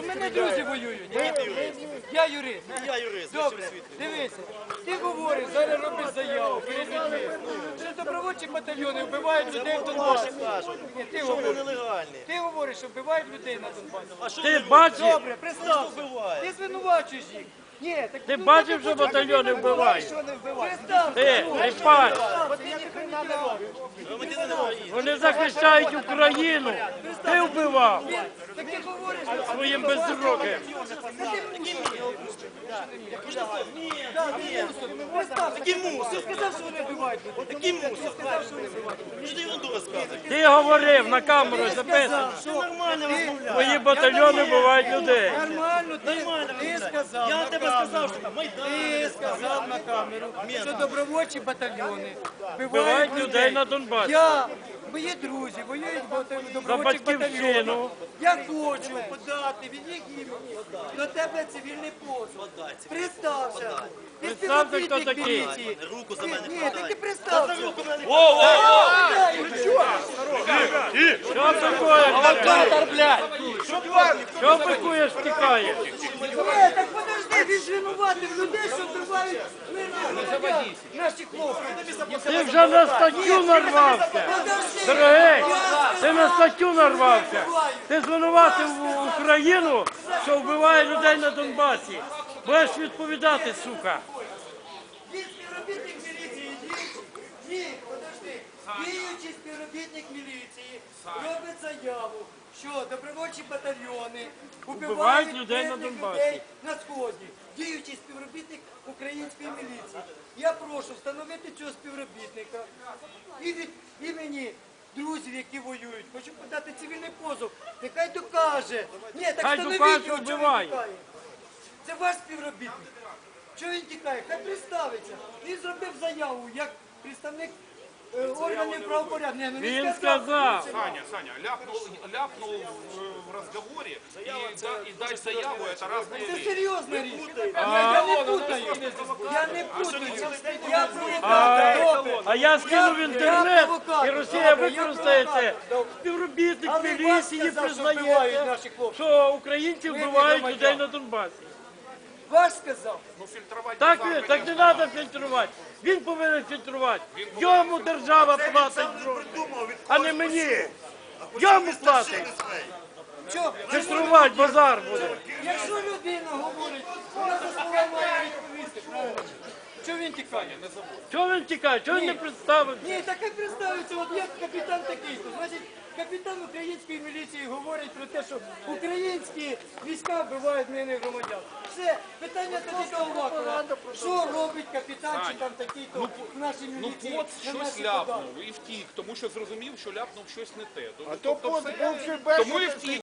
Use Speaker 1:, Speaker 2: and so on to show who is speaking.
Speaker 1: У мене друзі воюють. Я юрист.
Speaker 2: Я юрист.
Speaker 1: Добре, дивися. Ти говориш, зараз робиш заяву перед людьми. Що добровольчі батальйони вбивають людей в Донбасі. Ні, ти говориш. Ти говориш, що вбивають людей на Донбасі.
Speaker 3: Ти бачив?
Speaker 1: Добре, представ. Ти звинувачуєш їх. Ні, так
Speaker 3: Ти бачив, що батальйони вбивають?
Speaker 1: Представ.
Speaker 3: Ти, ріпач,
Speaker 1: Бо ти ніхрена не робиш.
Speaker 3: вони захищають Україну. Ти вбивав
Speaker 1: Так ти говориш,
Speaker 3: своїм безруким.
Speaker 1: Такий мусор. Ти сказав, що вони вбивають людей.
Speaker 2: Такий мусор. Що ти ерунду розказуєш?
Speaker 3: Ти говорив на камеру, записано.
Speaker 2: Ти нормально розмовляєш.
Speaker 3: Твої батальйони вбивають людей.
Speaker 1: Нормально, ти сказав.
Speaker 2: Я тебе сказав, що там
Speaker 1: Ти сказав на камеру, що добровольчі батальйони
Speaker 3: Вбивають
Speaker 1: вбивають
Speaker 3: людей на Донбасі.
Speaker 1: Мої друзі воюють в
Speaker 3: За
Speaker 1: добровольчих
Speaker 3: батьківщину.
Speaker 1: батальйонах. Я хочу подати від їх імені до тебе цивільний позов. Представся. Ти
Speaker 3: Представся, хто
Speaker 1: співробітник
Speaker 3: такий.
Speaker 1: міліції.
Speaker 2: руку за мене.
Speaker 1: Ні, так ти представся.
Speaker 3: Що пикуєш? Що пикуєш, втікаєш?
Speaker 1: Ні, так подожди, він звинуватив людей, що вбивають мирних громадян, наші хлопці.
Speaker 3: Ти вже на статтю нарвався. Дорогий, ти на статтю нарвався. Ти звинуватив Україну, що вбиває людей на Донбасі. Будеш відповідати, сука.
Speaker 1: Він співробітник міліції, ні, подожди. Діючий співробітник міліції робить заяву, що добровольчі батальйони убивають
Speaker 3: людей на
Speaker 1: мирних
Speaker 3: Донбасі.
Speaker 1: людей на Сході. Діючий співробітник української міліції. Я прошу встановити цього співробітника і від імені друзів, які воюють. Хочу подати цивільний позов. Нехай докаже. Ні, так
Speaker 3: Хай
Speaker 1: встановіть
Speaker 3: докаже,
Speaker 1: його, чого він
Speaker 3: вбиває.
Speaker 1: тікає. Це ваш співробітник. Чого він тікає? Хай представиться. Він зробив заяву як представник органів правопорядку.
Speaker 3: Він сказав.
Speaker 4: Саня, ляпнул в разговоре и дать заяву, это разные
Speaker 1: Це
Speaker 4: вещи.
Speaker 1: серйозна річ. Я не путаю. Я не путаю. Я провокатор.
Speaker 3: А я скину в інтернет, і Росія
Speaker 1: Добре,
Speaker 3: використає це.
Speaker 1: провокатор.
Speaker 3: Співробітник
Speaker 1: Але вас
Speaker 3: міліції
Speaker 1: сказав, що вбивають
Speaker 3: признає,
Speaker 1: наші хлопці.
Speaker 3: що українці вбивають
Speaker 1: громадян.
Speaker 3: людей на Донбасі.
Speaker 1: Ваш сказав.
Speaker 4: Ну, фильтровать
Speaker 3: Так
Speaker 4: нельзя,
Speaker 3: не треба фільтрувати. Він повинен фільтрувати. Йому держава платить гроші, а не мені. Йому платить.
Speaker 1: Що?
Speaker 3: Фільтрувати базар буде.
Speaker 1: Якщо людина говорить, вона за слова має відповісти, правильно? Чого він тікає?
Speaker 3: Чого він тікає? Чого він не представився?
Speaker 1: Ні, так як представиться, от я капітан такий-то. Значить, капітан української міліції говорить про те, що українські війська вбивають мирних громадян. Все, питання тоді до Авакова. Що робить капітан чи там такий-то в нашій
Speaker 4: Ну,
Speaker 1: міліції?
Speaker 4: пот
Speaker 1: на
Speaker 4: щось
Speaker 1: наші
Speaker 4: ляпнув
Speaker 1: податки?
Speaker 4: і втік, тому що зрозумів, що ляпнув щось не те.
Speaker 5: А то пот був
Speaker 4: Тому і втік.